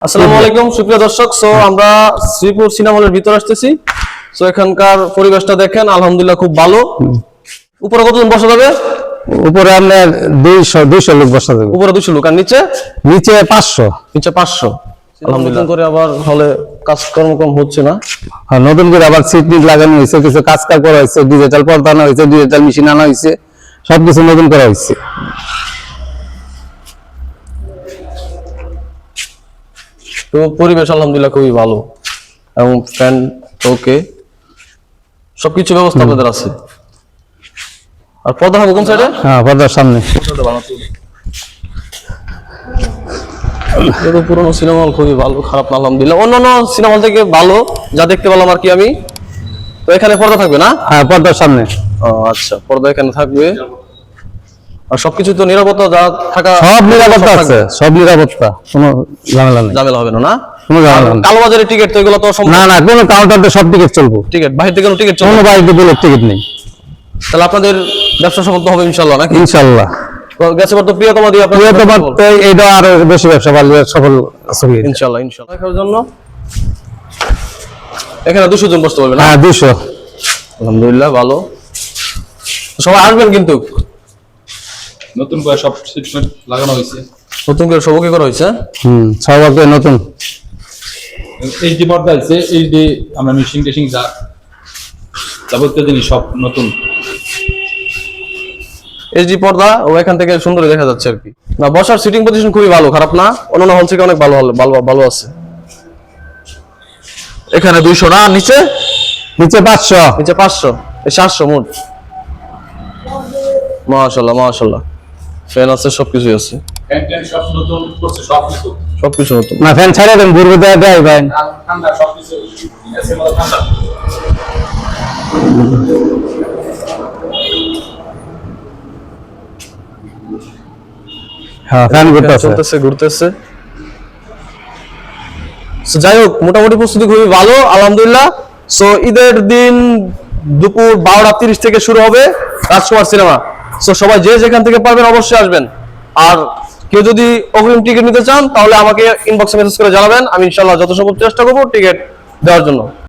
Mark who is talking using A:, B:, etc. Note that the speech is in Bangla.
A: আসসালামু আলাইকুম সুপ্রিয় দর্শক। সো আমরা শ্রীপুর সিনেমা হলের ভিতর আসতেছি। সো এখানকার পরিবেশটা দেখেন, আলহামদুলিল্লাহ খুব ভালো। উপরে কতজন বসা যাবে?
B: উপরে আপনার 200 লোক বসা যাবে।
A: উপরে 200 লোক, আর নিচে
B: 500।
A: নিচে 500। আলহামদুলিল্লাহ। করে আবার হলে কাজকর্ম কম হচ্ছে না।
B: আর নতুন করে আবার সিট নিট লাগানো হয়েছে, কিছু কাজ করা হয়েছে, ডিজিটাল পর্দা আনা হয়েছে, ডিজিটাল মেশিন আনা হয়েছে, সবকিছু নতুন করা হয়েছে।
A: তো পরিবেশ আলহামদুলিল্লাহ খুবই ভালো এবং ফ্যান ওকে, সবকিছু ব্যবস্থা আপনাদের আছে। আর পর্দা হবে কোন সাইডে?
B: হ্যাঁ, পর্দার সামনে।
A: এটা পুরোনো সিনেমা হল, খুবই ভালো, খারাপ না আলহামদুলিল্লাহ। অন্যান্য সিনেমা হল থেকে ভালো যা দেখতে পেলাম আর কি আমি। তো এখানে পর্দা থাকবে না?
B: হ্যাঁ, পর্দার সামনে।
A: ও আচ্ছা, পর্দা এখানে থাকবে। আর সবকিছু তো নিরাপত্তা যা থাকা,
B: সব নিরাপত্তা আছে, সব নিরাপত্তা, কোনো ঝামেলা নেই।
A: ঝামেলা হবে না? না
B: কোনো ঝামেলা নেই।
A: কালোবাজারের টিকিট তো এগুলো তো
B: না না, কোনো কাউন্টারে সব টিকিট চলবো।
A: টিকিট বাইরে থেকে কোনো টিকিট চলবে?
B: কোনো বাইরে বলে টিকিট নেই।
A: তাহলে আপনাদের ব্যবসা সফল তো হবে ইনশাআল্লাহ, নাকি?
B: ইনশাআল্লাহ।
A: গেছে তো প্রিয়তমা দিয়ে আপনাদের
B: এইটা আরো বেশি ব্যবসা ভালো সফল আছে
A: ইনশাআল্লাহ। ইনশাআল্লাহ দেখার জন্য এখানে 200 জন বসতে পারবে না?
B: হ্যাঁ, 200।
A: আলহামদুলিল্লাহ ভালো। সবাই আসবেন কিন্তু।
C: নতুন করে সব সিটমেন্ট লাগানো হয়েছে,
A: নতুন করে সবকে করা হয়েছে।
B: সবাই নতুন
C: এইচডি পর্দা আছে, এইচডি আমরা মিশিং টেশিং যা যাবতীয় জিনিস সব নতুন।
A: এইচডি পর্দা ও এখান থেকে সুন্দর দেখা যাচ্ছে আর কি। না, বসার সিটিং পজিশন খুবই ভালো, খারাপ না। অন্যান্য হল থেকে অনেক ভালো ভালো ভালো আছে। এখানে 200 না? নিচে
B: 500।
A: নিচে 500, 700 মোট। মাশাআল্লাহ মাশাআল্লাহ, ফ্যান আছে, সবকিছু আছে,
C: ফ্যান ট্যান সব নতুন করছে, সব কিছু
A: সবকিছু নতুন।
B: না, ফ্যান ছাড়া দেন, ঘুরবে দেয় ভাই।
C: ঠান্ডা সব কিছু এসে মতো ঠান্ডা।
B: হ্যাঁ, ফ্যান
A: চলতেছে, ঘুরতেছে। সো যাই হোক, মোটামুটি প্রস্তুতি খুবই ভালো আলহামদুলিল্লাহ। সো ঈদের দিন দুপুর 12:30 থেকে শুরু হবে রাজকুমার সিনেমা। সো সবাই যে যেখান থেকে পারবেন অবশ্যই আসবেন। আর কেউ যদি অগ্রিম টিকিট নিতে চান তাহলে আমাকে ইনবক্সে মেসেজ করে জানাবেন, আমি ইনশাআল্লাহ যত সম্ভব চেষ্টা করবো টিকিট দেওয়ার জন্য।